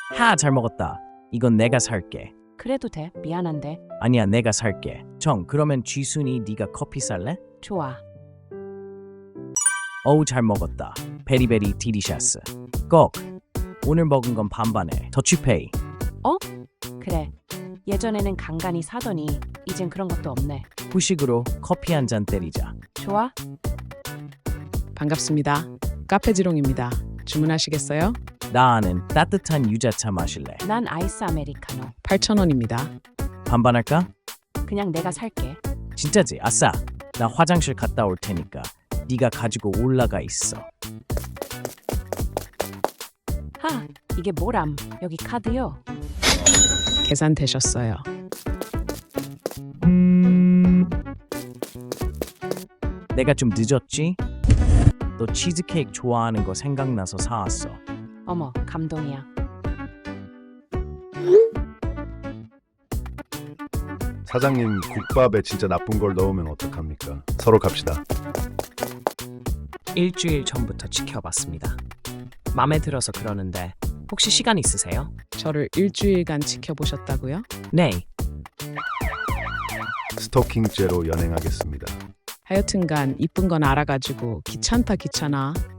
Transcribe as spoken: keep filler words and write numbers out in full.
하, 잘 먹었다. 이건 내가 살게. 그래도 돼. 미안한데. 아니야, 내가 살게. 정, 그러면 쥐순이 네가 커피 살래? 좋아. 어우, 잘 먹었다. 베리베리 디리샤스. 꼭. 오늘 먹은 건 반반에 더치페이. 그래. 예전에는 간간히 사더니 이젠 그런 것도 없네. 후식으로 커피 한 잔 때리자. 좋아? 반갑습니다. 카페지롱입니다. 주문하시겠어요? 나 아는 따뜻한 유자차 마실래? 난 아이스 아메리카노. 팔천 원입니다. 반반할까? 그냥 내가 살게. 진짜지? 아싸. 나 화장실 갔다 올 테니까 네가 가지고 올라가 있어. 하, 이게 뭐람? 여기 카드요. 계산되셨어요. 내가 좀 늦었지? 너 치즈케이크 좋아하는 거 생각나서 사왔어. 어머, 감동이야. 사장님, 국밥에 진짜 나쁜 걸 넣으면 어떡합니까? 서로 갑시다. 일주일 전부터 지켜봤습니다. 마음에 들어서 그러는데 혹시 시간 있으세요? 저를 일주일간 지켜보셨다고요? 네. 스토킹죄로 연행하겠습니다. 하여튼간 이쁜 건 알아가지고 귀찮다 귀찮아